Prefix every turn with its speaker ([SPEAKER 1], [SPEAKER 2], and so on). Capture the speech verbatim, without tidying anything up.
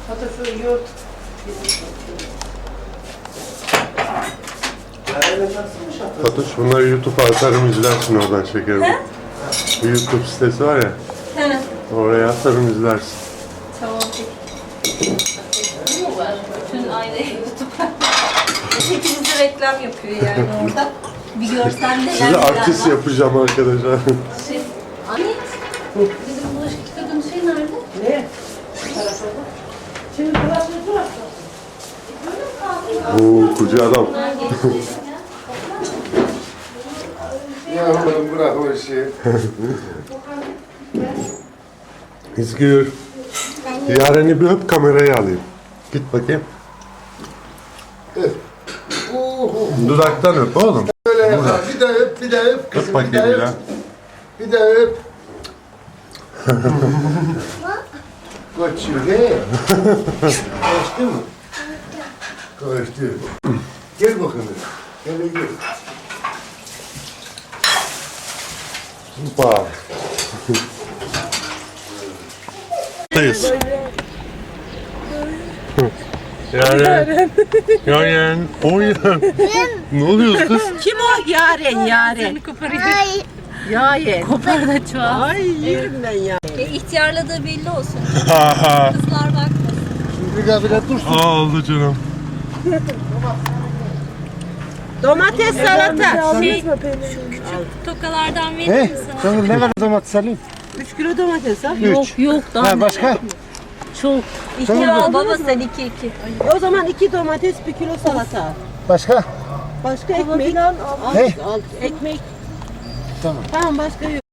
[SPEAKER 1] Patates, yoğurt.
[SPEAKER 2] Fatoş, bunları YouTube'a atarım, izlersin oradan şekerim. Bir YouTube sitesi var ya,
[SPEAKER 3] He.
[SPEAKER 2] oraya atarım, izlersin.
[SPEAKER 3] Tamam peki. Bütün aile YouTube'a. Hepiniz de reklam yapıyor yani orada. Bir görsen neler
[SPEAKER 2] Sizi
[SPEAKER 3] neler
[SPEAKER 2] artist
[SPEAKER 3] var.
[SPEAKER 2] yapacağım arkadaşlar.
[SPEAKER 3] Şey, Ahmet, bizim bulaşık yıkadığın şey nerede?
[SPEAKER 1] Ne? Şimdi burası burası.
[SPEAKER 2] Oo, koca adam.
[SPEAKER 3] Bunlar geçti.
[SPEAKER 4] Yavrum bırak o işi.
[SPEAKER 2] İzgür. Yaren'i bir öp, kamerayı alayım. Git bakayım. Dudaktan öp oğlum.
[SPEAKER 4] Böyle yapar. Bir de öp, bir de öp kızım.
[SPEAKER 2] Öp
[SPEAKER 4] Bir de
[SPEAKER 2] bakayım bir
[SPEAKER 4] öp.
[SPEAKER 2] daha.
[SPEAKER 4] Bir de öp. Kaçıyor he. Kaçtı mı? Kaçtı. Gel bakalım. Gel gel.
[SPEAKER 2] Bak. Buradayız. Yaren. Yaren. Oyan. Ne oluyor kız?
[SPEAKER 1] Kim o? Yaren, Yaren.
[SPEAKER 3] Ay.
[SPEAKER 1] Yaren.
[SPEAKER 3] Kopar da çoğal.
[SPEAKER 1] Ay yerim ben ya.
[SPEAKER 3] E, ihtiyarladığı belli olsun. Kızlar bakmasın.
[SPEAKER 4] Şimdi gel bile dursun.
[SPEAKER 2] Aldı canım.
[SPEAKER 1] Domates salata.
[SPEAKER 3] Şey, şu küçük tokalardan verir
[SPEAKER 4] He?
[SPEAKER 3] misin?
[SPEAKER 4] Sana ne kadar domates alayım?
[SPEAKER 1] üç kilo domates ha.
[SPEAKER 4] Üç.
[SPEAKER 3] Yok daha
[SPEAKER 4] Ha başka?
[SPEAKER 3] çok. İki al baba sen iki iki.
[SPEAKER 1] O zaman iki domates, bir kilo salata al.
[SPEAKER 4] Başka?
[SPEAKER 1] Başka ekmek. Al,
[SPEAKER 4] He?
[SPEAKER 1] al, ekmek.
[SPEAKER 4] Tamam.
[SPEAKER 1] Tamam başka yok.